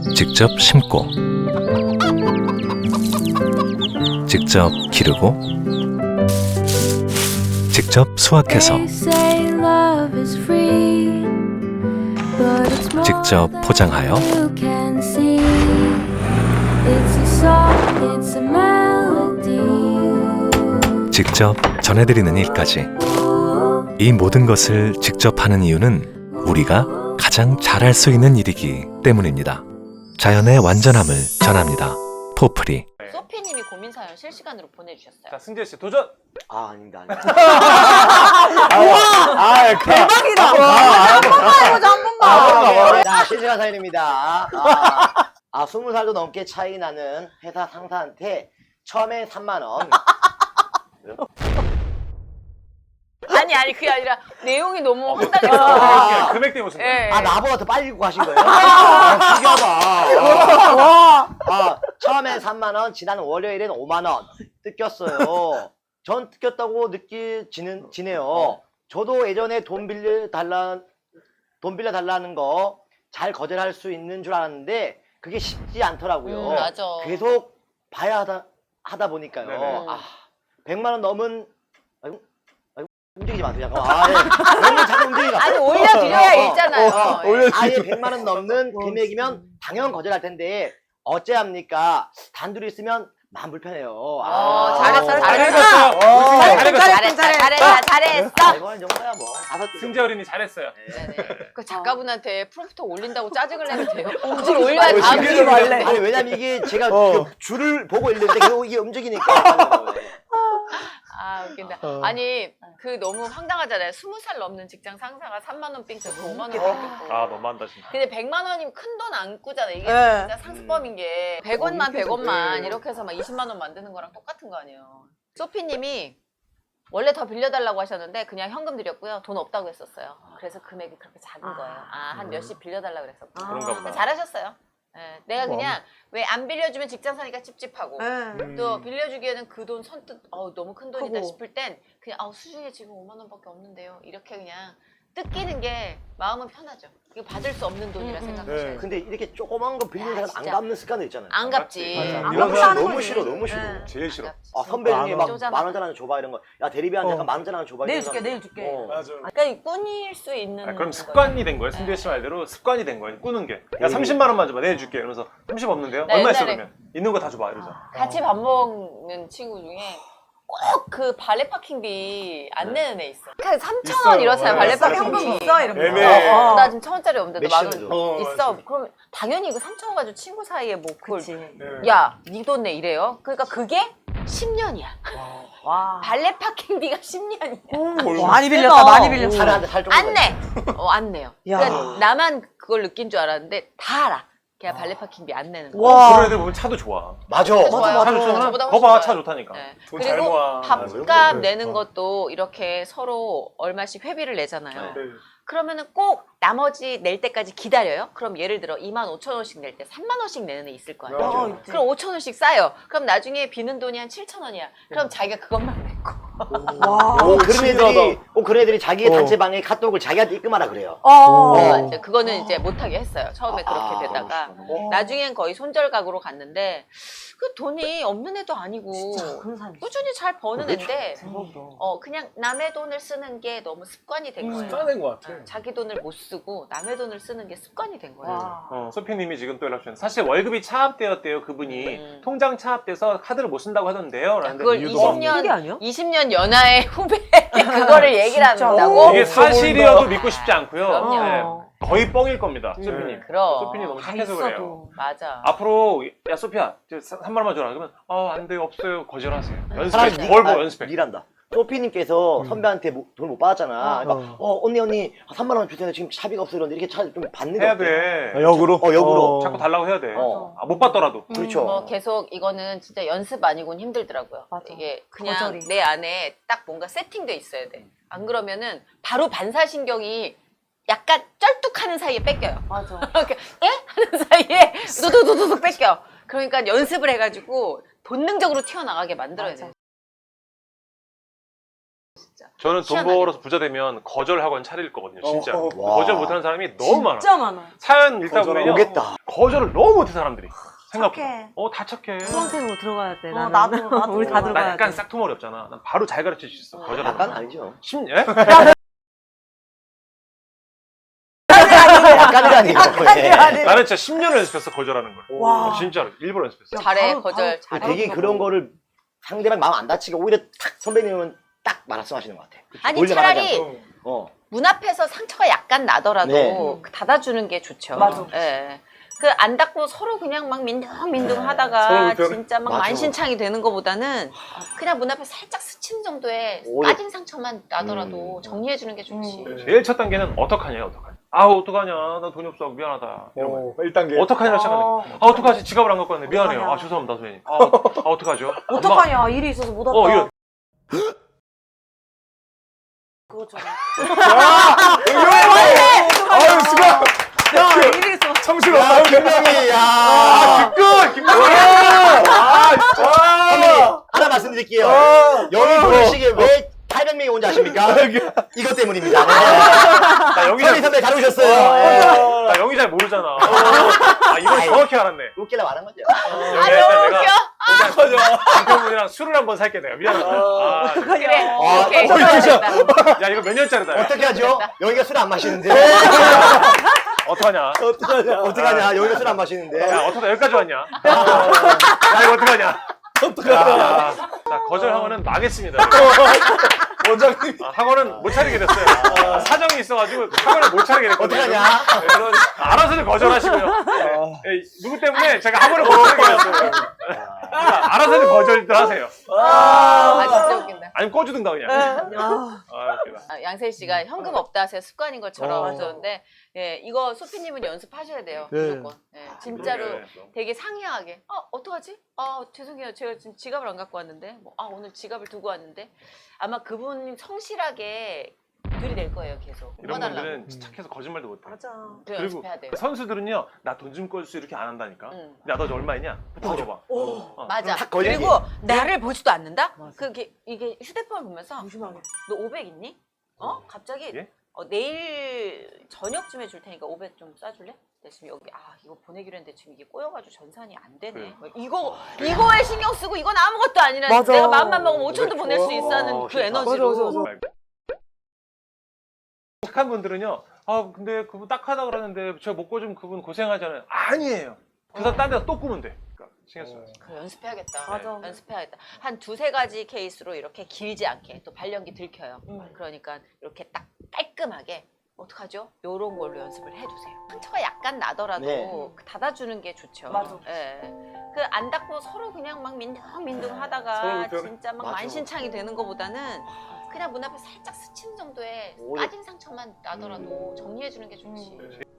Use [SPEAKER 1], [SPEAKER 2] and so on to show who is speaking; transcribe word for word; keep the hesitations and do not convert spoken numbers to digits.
[SPEAKER 1] 직접 심고 직접 기르고 직접 수확해서 직접 포장하여 직접 전해드리는 일까지 이 모든 것을 직접 하는 이유는 우리가 가장 잘할 수 있는 일이기 때문입니다. 자연의 완전함을 전합니다. 포프리.
[SPEAKER 2] 소피님이 고민 사연 실시간으로 보내주셨어요.
[SPEAKER 3] 자, 승재 씨 도전.
[SPEAKER 4] 아, 아닙니다, 아닙니다.
[SPEAKER 3] 아,
[SPEAKER 5] 대박이다.
[SPEAKER 4] 한
[SPEAKER 5] 번만 해보자, 한 번만.
[SPEAKER 4] 자, 실시간 사연입니다. 아, 아, 스무 살도 넘게 차이 나는 회사 상사한테 처음에 삼만 원.
[SPEAKER 2] 아니 아니 그게 아니라 내용이 너무
[SPEAKER 3] 아,
[SPEAKER 2] 황당해서.
[SPEAKER 3] 금액 때문에 무슨
[SPEAKER 2] 예.
[SPEAKER 4] 아, 나보다 더 빨리 읽고 가신 거예요? 아, 신기하다. 아, 아, 처음에 삼만 원, 지난 월요일엔 오만 원 뜯겼어요. 전 뜯겼다고 느끼지는 지네요. 저도 예전에 돈 빌려 달라 돈 빌려 달라는 거 잘 거절할 수 있는 줄 알았는데 그게 쉽지 않더라고요.
[SPEAKER 2] 음, 맞아.
[SPEAKER 4] 계속 봐야 하다 하다 보니까요.
[SPEAKER 3] 네네.
[SPEAKER 4] 아, 백만 원 넘은 아이고, 아이고, 움직이지 마세요. 잠깐만. 아, 예. 너무 자꾸 움직이지
[SPEAKER 2] 아니
[SPEAKER 4] 마세요.
[SPEAKER 2] 올려드려야
[SPEAKER 4] 어, 어,
[SPEAKER 2] 읽잖아요.
[SPEAKER 4] 어,
[SPEAKER 2] 예.
[SPEAKER 4] 아예 백만 원 넘는 금액이면 당연 거절할 텐데 어째합니까? 단둘이 있으면 마음 불편해요.
[SPEAKER 2] 어, 잘했어,
[SPEAKER 3] 잘
[SPEAKER 2] 잘했어.
[SPEAKER 3] 읽었어요.
[SPEAKER 5] 잘했어,
[SPEAKER 2] 잘했어, 잘했어, 잘했어.
[SPEAKER 4] 아, 이거는 정도야 뭐. 다섯 개
[SPEAKER 3] 승재 어린이 잘했어요.
[SPEAKER 2] 네네. 그 작가분한테 프롬프터 올린다고 짜증을 내면 돼요. 그걸 올려야 다음
[SPEAKER 5] 신기하다.
[SPEAKER 2] 주에
[SPEAKER 5] 말래.
[SPEAKER 4] 아니 왜냐면 이게 제가
[SPEAKER 3] 어.
[SPEAKER 4] 그 줄을 보고 있는데 계속 이게 움직이니까.
[SPEAKER 2] 아 웃긴다.
[SPEAKER 3] 어.
[SPEAKER 2] 아니 그 너무 황당하잖아요. 스무 살 넘는 직장 상사가 삼만 원 삥 뜯고 오만 원 삥 뜯고.
[SPEAKER 3] 아, 너무한다 진짜.
[SPEAKER 2] 근데 백만 원이면 큰 돈 안 꾸잖아. 이게
[SPEAKER 5] 네.
[SPEAKER 2] 진짜 상습범인 게 백 원만 백 원만
[SPEAKER 3] 네.
[SPEAKER 2] 이렇게 해서 막 이십만 원 만드는 거랑 똑같은 거 아니에요. 소피님이 원래 더 빌려달라고 하셨는데 그냥 현금 드렸고요. 돈 없다고 했었어요. 그래서 금액이 그렇게 작은 거예요. 아, 한 몇십 빌려달라고 그랬었고.
[SPEAKER 3] 그런가 보다.
[SPEAKER 2] 잘하셨어요. 예, 내가 그냥 왜 안 빌려주면 직장 사니까 찝찝하고
[SPEAKER 5] 네.
[SPEAKER 2] 또 빌려주기에는 그 돈 선뜻 어, 너무 큰 돈이다
[SPEAKER 5] 크고.
[SPEAKER 2] 싶을 땐 그냥 아, 수중에 지금 오만 원밖에 없는데요. 이렇게 그냥 뜯기는 게 마음은 편하죠. 이거 받을 수 없는 돈이라
[SPEAKER 5] 음, 음.
[SPEAKER 2] 생각하셔야
[SPEAKER 3] 네.
[SPEAKER 2] 돼요.
[SPEAKER 4] 근데 이렇게 조그만 거 빌리는
[SPEAKER 2] 야,
[SPEAKER 4] 사람 안
[SPEAKER 2] 진짜.
[SPEAKER 4] 갚는 습관도 있잖아요.
[SPEAKER 2] 안 갚지.
[SPEAKER 3] 맞지.
[SPEAKER 4] 맞아.
[SPEAKER 5] 안
[SPEAKER 4] 이런
[SPEAKER 5] 갚는
[SPEAKER 4] 사람
[SPEAKER 5] 사람은
[SPEAKER 4] 너무
[SPEAKER 5] 거지.
[SPEAKER 4] 싫어, 너무 싫어.
[SPEAKER 5] 네.
[SPEAKER 3] 제일 싫어.
[SPEAKER 4] 아, 선배 중에 막
[SPEAKER 2] 쪼잔하다.
[SPEAKER 4] 만 원짜리 하나 줘봐 이런 거. 야, 대리비한테
[SPEAKER 3] 어.
[SPEAKER 4] 약간 만 원짜리 하나 줘봐.
[SPEAKER 5] 내일
[SPEAKER 4] 이런
[SPEAKER 5] 줄게,
[SPEAKER 4] 사람.
[SPEAKER 5] 내일 줄게.
[SPEAKER 4] 어.
[SPEAKER 3] 맞아.
[SPEAKER 2] 그러니까 꾸닐 수 있는
[SPEAKER 3] 아, 그럼
[SPEAKER 2] 거예요.
[SPEAKER 3] 습관이 된 거예요. 승재 씨 말대로 습관이 된 거예요. 꾸는 게. 야, 삼십만 원만 줘봐. 내줄게. 이러면서 삼십 없는데요?
[SPEAKER 2] 나
[SPEAKER 3] 얼마 있어
[SPEAKER 2] 옛날에-
[SPEAKER 3] 그러면? 있는 거 다 줘봐. 이러죠.
[SPEAKER 2] 같이 밥 먹는 친구 중에 꼭 그 발레 파킹비 안 내는 애 있어. 그냥 삼천 원
[SPEAKER 3] 있어요.
[SPEAKER 2] 이렇잖아요.
[SPEAKER 3] 네.
[SPEAKER 2] 발레
[SPEAKER 3] 있어요.
[SPEAKER 5] 현금
[SPEAKER 2] 파킹비.
[SPEAKER 5] 있어? 이러면.
[SPEAKER 3] 애매해.
[SPEAKER 5] 어, 어.
[SPEAKER 2] 나 지금 천 원짜리 없는데 만 원
[SPEAKER 4] 몇십원이죠?
[SPEAKER 3] 어,
[SPEAKER 2] 있어.
[SPEAKER 3] 맞아.
[SPEAKER 2] 그럼 당연히 이거 삼천 원 가지고 친구 사이에 뭐 그걸
[SPEAKER 5] 그치.
[SPEAKER 3] 네.
[SPEAKER 2] 야, 네 돈 내 이래요. 그러니까 그게 십 년이야.
[SPEAKER 5] 와.
[SPEAKER 2] 발레 파킹비가 십 년이야.
[SPEAKER 5] 오, 많이 빌렸다, 많이 빌렸어.
[SPEAKER 4] 살에 한대 살 정도.
[SPEAKER 2] 안 내. 어, 안 내요.
[SPEAKER 5] 야.
[SPEAKER 2] 그러니까 나만 그걸 느낀 줄 알았는데 다 알아. 걔가 발레 파킹비 안 내는 거.
[SPEAKER 5] 와.
[SPEAKER 3] 그런 애들 보면 차도 좋아.
[SPEAKER 4] 맞아.
[SPEAKER 2] 진짜 좋아요.
[SPEAKER 5] 맞아,
[SPEAKER 3] 차 좋잖아?
[SPEAKER 2] 저보다 훨씬
[SPEAKER 3] 거봐,
[SPEAKER 2] 좋아요.
[SPEAKER 3] 차 좋다니까.
[SPEAKER 2] 네.
[SPEAKER 3] 돈 잘
[SPEAKER 2] 그리고
[SPEAKER 3] 모아.
[SPEAKER 2] 밥값
[SPEAKER 3] 네.
[SPEAKER 2] 내는
[SPEAKER 3] 어.
[SPEAKER 2] 것도 이렇게 서로 얼마씩 회비를 내잖아요.
[SPEAKER 3] 네.
[SPEAKER 2] 그러면은 꼭 나머지 낼 때까지 기다려요. 그럼 예를 들어 이만 오천 원씩 낼 때 삼만 원씩 내는 애 있을 거 아니에요.
[SPEAKER 5] 어,
[SPEAKER 3] 맞아.
[SPEAKER 5] 있지.
[SPEAKER 2] 그럼 오천 원씩 쌓여. 그럼 나중에 비는 돈이 한 칠천 원이야. 그럼 자기가 그것만 냈고.
[SPEAKER 5] 와.
[SPEAKER 4] 꼭 그런 애들이,
[SPEAKER 3] 신기하다.
[SPEAKER 4] 꼭 그런 애들이 자기
[SPEAKER 3] 어.
[SPEAKER 4] 단체방에 카톡을 자기한테 입금하라 그래요.
[SPEAKER 5] 어.
[SPEAKER 2] 어, 이제 그거는 이제 못하게 했어요. 처음에
[SPEAKER 4] 아,
[SPEAKER 2] 그렇게 되다가.
[SPEAKER 5] 어.
[SPEAKER 2] 나중엔 거의 손절각으으로 갔는데 그 돈이 없는 애도 아니고
[SPEAKER 5] 진짜 그런 사람 있어.
[SPEAKER 2] 꾸준히 잘 버는
[SPEAKER 4] 그렇죠.
[SPEAKER 2] 애인데
[SPEAKER 5] 대박이다.
[SPEAKER 2] 어 그냥 남의 돈을 쓰는 게 너무 습관이 된 거예요.
[SPEAKER 3] 습관된 것 같아.
[SPEAKER 2] 어, 자기 돈을 못 쓰고 남의 돈을 쓰는 게 습관이 된 거예요.
[SPEAKER 5] 와.
[SPEAKER 3] 어, 소피님이 지금 또 연락 주셨는데 사실 월급이 차압되었대요. 그분이
[SPEAKER 2] 음.
[SPEAKER 3] 통장 차압돼서 카드를 못 쓴다고 하던데요. 라는데
[SPEAKER 2] 그걸
[SPEAKER 3] 이유도
[SPEAKER 2] 이십
[SPEAKER 3] 없는.
[SPEAKER 2] 년
[SPEAKER 5] 이게 아니야?
[SPEAKER 2] 이십 년 연하의 후배 그거를 얘기를
[SPEAKER 5] 진짜.
[SPEAKER 2] 한다고?
[SPEAKER 3] 이게
[SPEAKER 5] 없어
[SPEAKER 3] 사실이어도
[SPEAKER 5] 보인다.
[SPEAKER 3] 믿고 싶지 않고요.
[SPEAKER 2] 그럼요.
[SPEAKER 3] 네. 거의 뻥일 겁니다. 소피님.
[SPEAKER 2] 그럼.
[SPEAKER 3] 소피님 너무
[SPEAKER 5] 다
[SPEAKER 3] 착해서 그래요.
[SPEAKER 5] 있어도.
[SPEAKER 2] 맞아.
[SPEAKER 3] 앞으로 야 소피야 삼만 원만 줘라. 그러면 아 안 돼요 없어요 거절하세요.
[SPEAKER 4] 사람이
[SPEAKER 3] 연습해.
[SPEAKER 4] 니-
[SPEAKER 3] 뭘
[SPEAKER 4] 아,
[SPEAKER 3] 보 연습해.
[SPEAKER 4] 일한다. 소피님께서 선배한테 돈 못 받았잖아. 그러니까 어, 언니 언니 삼만 원 주세요. 지금 차비가 없어 이러는데 이렇게 차 좀 받는 게
[SPEAKER 3] 해야
[SPEAKER 4] 어때?
[SPEAKER 3] 돼.
[SPEAKER 6] 역으로?
[SPEAKER 4] 어, 역으로.
[SPEAKER 3] 자꾸 달라고 해야 돼.
[SPEAKER 4] 어.
[SPEAKER 3] 아, 못 받더라도.
[SPEAKER 4] 그렇죠.
[SPEAKER 2] 뭐 계속 이거는 진짜 연습 아니고는 힘들더라고요.
[SPEAKER 5] 맞아.
[SPEAKER 2] 이게 그냥
[SPEAKER 5] 거절이.
[SPEAKER 2] 내 안에 딱 뭔가 세팅돼 있어야 돼. 안 그러면은 바로 반사신경이 약간 쩔뚝하는 사이에 뺏겨요.
[SPEAKER 5] 맞아.
[SPEAKER 2] 이렇게 예? 하는 사이에 도도도도도 뺏겨. 그러니까 연습을 해가지고 본능적으로 튀어나가게 만들어야
[SPEAKER 5] 맞아.
[SPEAKER 2] 돼. 진짜. 진짜.
[SPEAKER 3] 저는 돈
[SPEAKER 2] 희한하게.
[SPEAKER 3] 벌어서 부자 되면 거절 학원 차릴 거거든요, 진짜.
[SPEAKER 6] 어.
[SPEAKER 4] 와.
[SPEAKER 3] 거절 못하는 사람이 너무 많아.
[SPEAKER 5] 진짜 많아.
[SPEAKER 3] 사연 읽다 보면요.
[SPEAKER 4] 오겠다.
[SPEAKER 3] 거절을 너무 못해 사람들이. 생각보다.
[SPEAKER 5] 착해.
[SPEAKER 3] 어, 다 착해.
[SPEAKER 5] 수강생으로 들어가야 돼.
[SPEAKER 2] 어,
[SPEAKER 5] 나는.
[SPEAKER 2] 나도, 나도.
[SPEAKER 5] 우리 다
[SPEAKER 3] 나
[SPEAKER 5] 들어가야
[SPEAKER 3] 약간
[SPEAKER 5] 돼.
[SPEAKER 3] 싹토머리 없잖아. 난 바로 잘 가르칠 수 있어. 거절.
[SPEAKER 4] 약간 아니죠.
[SPEAKER 3] 심, 예?
[SPEAKER 4] 약간은 아니고. 예.
[SPEAKER 3] 나는 진짜 십 년을 연습했어, 거절하는 걸.
[SPEAKER 5] 와.
[SPEAKER 3] 어, 진짜로. 일부러 연습했어.
[SPEAKER 2] 잘해
[SPEAKER 5] 바로,
[SPEAKER 2] 거절
[SPEAKER 5] 바로
[SPEAKER 2] 잘해.
[SPEAKER 4] 되게 그런 거를 상대방 마음 안 다치게 오히려 탁 선배님은 딱 말씀하시는 것 같아.
[SPEAKER 2] 아니
[SPEAKER 4] 몰래 말하지
[SPEAKER 2] 차라리
[SPEAKER 4] 않고. 어.
[SPEAKER 2] 문 앞에서 상처가 약간 나더라도
[SPEAKER 4] 네.
[SPEAKER 2] 그 닫아주는 게 좋죠.
[SPEAKER 5] 맞아.
[SPEAKER 2] 예. 그 안 닫고 서로 그냥 막 민둥민둥
[SPEAKER 6] 서로
[SPEAKER 2] 하다가
[SPEAKER 6] 불편해.
[SPEAKER 2] 진짜 막
[SPEAKER 4] 맞아.
[SPEAKER 2] 만신창이 되는 것보다는 그냥 문 앞에 살짝 스치는 정도의
[SPEAKER 4] 오히려-
[SPEAKER 2] 빠진 상처만 나더라도
[SPEAKER 4] 음.
[SPEAKER 2] 정리해주는 게 좋지.
[SPEAKER 5] 음.
[SPEAKER 3] 제일 첫 단계는 어떡하냐, 어떡하냐. 아, 어떡하냐. 나 돈이 없어. 미안하다. 이런 거.
[SPEAKER 6] 어, 일 단계.
[SPEAKER 3] 어떡하냐 시작하는
[SPEAKER 5] 어.
[SPEAKER 3] 거야. 아, 어떡하지? 지갑을 안 갖고 왔네. 미안해요.
[SPEAKER 5] 어떡하냐.
[SPEAKER 3] 아, 죄송합니다, 선생님. 아, 아 어떡하죠? 엄마.
[SPEAKER 5] 어떡하냐. 일이 있어서 못 왔다.
[SPEAKER 3] 어, 이거.
[SPEAKER 5] 그거잖아.
[SPEAKER 6] 아유, 수고.
[SPEAKER 5] 야, 일이 있어.
[SPEAKER 6] 성실
[SPEAKER 4] 야,
[SPEAKER 6] 없다.
[SPEAKER 4] 김명희, 야.
[SPEAKER 3] 아, 끝! 김명희!
[SPEAKER 6] 아,
[SPEAKER 4] 선배님, 하나 말씀드릴게요. 여기 보시기에 왜 팔백 명이 온지 아십니까? 이것 때문입니다.
[SPEAKER 3] 나 영희
[SPEAKER 4] 선희
[SPEAKER 3] 잘,
[SPEAKER 4] 선배 잘 오셨어요.
[SPEAKER 3] 나 영희 잘 모르잖아. 아, 이걸
[SPEAKER 4] 아이.
[SPEAKER 3] 정확히 알았네.
[SPEAKER 4] 웃길래 말한 거죠.
[SPEAKER 3] 영희 일단 내가 일단 남편분이랑 술을 한번 살게 내가. 미안하다. 아,
[SPEAKER 2] 그래.
[SPEAKER 4] 아,
[SPEAKER 2] 오케이.
[SPEAKER 4] 어,
[SPEAKER 2] 좋아졌다.
[SPEAKER 3] 야, 이거 몇 년짜리다. 야.
[SPEAKER 4] 어떻게 하죠? 여기가 술 안 마시는데.
[SPEAKER 3] 어떡하냐?
[SPEAKER 6] 어떡하냐.
[SPEAKER 4] 어떡하냐? 여기가 술 안 마시는데.
[SPEAKER 3] 야, 어떡하냐? 여기까지 왔냐? 야, 이거 어떡하냐?
[SPEAKER 6] 어떡하냐.
[SPEAKER 3] 야, 자, 거절 학원은 망했습니다.
[SPEAKER 6] 원장님.
[SPEAKER 3] 아, 학원은 못 차리게 됐어요. 아, 사정이 있어가지고 학원을 못 차리게 됐거든요.
[SPEAKER 4] 어떡하냐?
[SPEAKER 3] 네, 그래서 알아서는 거절하시고요. 네, 누구 때문에 제가 학원을 못 차리게 됐어요. 그러니까 알아서는 거절들 하세요.
[SPEAKER 2] 아 진짜 웃긴다.
[SPEAKER 3] 아니면 꺼주든가 그냥.
[SPEAKER 5] 아,
[SPEAKER 3] 아, 웃기다.
[SPEAKER 2] 아, 양세희 씨가 현금 없다 하세요. 습관인 것처럼
[SPEAKER 6] 어.
[SPEAKER 2] 하셨는데 예, 이거 소피님은 연습하셔야 돼요.
[SPEAKER 6] 네.
[SPEAKER 2] 무조건. 예, 진짜로
[SPEAKER 3] 그러게.
[SPEAKER 2] 되게 상이하게 어 어떡하지? 아 죄송해요. 제가 지금 지갑을 안 갖고 왔는데 뭐, 아 오늘 지갑을 두고 왔는데 아마 그분 성실하게 들이댈 거예요. 계속.
[SPEAKER 3] 이런
[SPEAKER 2] 뽑아달라고.
[SPEAKER 3] 분들은 착해서 거짓말도 못해.
[SPEAKER 5] 맞아.
[SPEAKER 2] 그래,
[SPEAKER 3] 그리고
[SPEAKER 2] 연습해야 돼요.
[SPEAKER 3] 선수들은요, 나 돈 좀 꺼줄 수 이렇게 안 한다니까.
[SPEAKER 2] 응.
[SPEAKER 3] 야, 너 얼마 있냐? 부터 물어봐.
[SPEAKER 5] 오.
[SPEAKER 3] 어.
[SPEAKER 2] 맞아.
[SPEAKER 4] 탁 걸리지.
[SPEAKER 2] 그리고 나를 보지도 않는다?
[SPEAKER 5] 맞아.
[SPEAKER 2] 그게 이게 휴대폰을 보면서
[SPEAKER 5] 조심하게.
[SPEAKER 2] 너 오백 있니? 어? 갑자기
[SPEAKER 3] 예?
[SPEAKER 2] 어, 내일 저녁쯤에 줄 테니까 오백 좀 싸줄래? 내 지금 여기 아 이거 보내기로 했는데 지금 이게 꼬여가지고 전산이 안 되네.
[SPEAKER 3] 그래.
[SPEAKER 2] 뭐 이거 이거에 신경 쓰고 이건 아무것도 아니라
[SPEAKER 5] 맞아.
[SPEAKER 2] 내가 마음만 먹으면 오천도 보낼 수 있어 하는
[SPEAKER 4] 어,
[SPEAKER 2] 그
[SPEAKER 4] 싫다.
[SPEAKER 2] 에너지로.
[SPEAKER 5] 맞아, 맞아, 맞아.
[SPEAKER 3] 착한 분들은요, 아, 근데 그분 딱하다 그러는데 제가 못 꺼주면 그분 고생하잖아요. 아니에요. 그래서 딴 데서 또 꾸면 돼. 그러니까 신경 써요.
[SPEAKER 2] 그래, 연습해야겠다.
[SPEAKER 5] 맞아.
[SPEAKER 2] 연습해야겠다. 한 두세 가지 케이스로 이렇게 길지 않게 또 발연기 들켜요.
[SPEAKER 5] 음.
[SPEAKER 2] 그러니까 이렇게 딱 깔끔하게 어떡하죠? 요런 걸로 연습을 해두세요. 상처가 약간 나더라도
[SPEAKER 4] 네.
[SPEAKER 2] 그 닫아주는 게 좋죠.
[SPEAKER 5] 맞아.
[SPEAKER 2] 예. 그 안 닫고 서로 그냥 막 민둥민둥
[SPEAKER 6] 서로
[SPEAKER 2] 하다가
[SPEAKER 6] 불편해.
[SPEAKER 2] 진짜 막
[SPEAKER 4] 맞아.
[SPEAKER 2] 만신창이 되는 것보다는 그냥 문 앞에 살짝 스치는 정도의
[SPEAKER 4] 오히려-
[SPEAKER 2] 빠진 상처만 나더라도 정리해주는 게 좋지.
[SPEAKER 5] 음.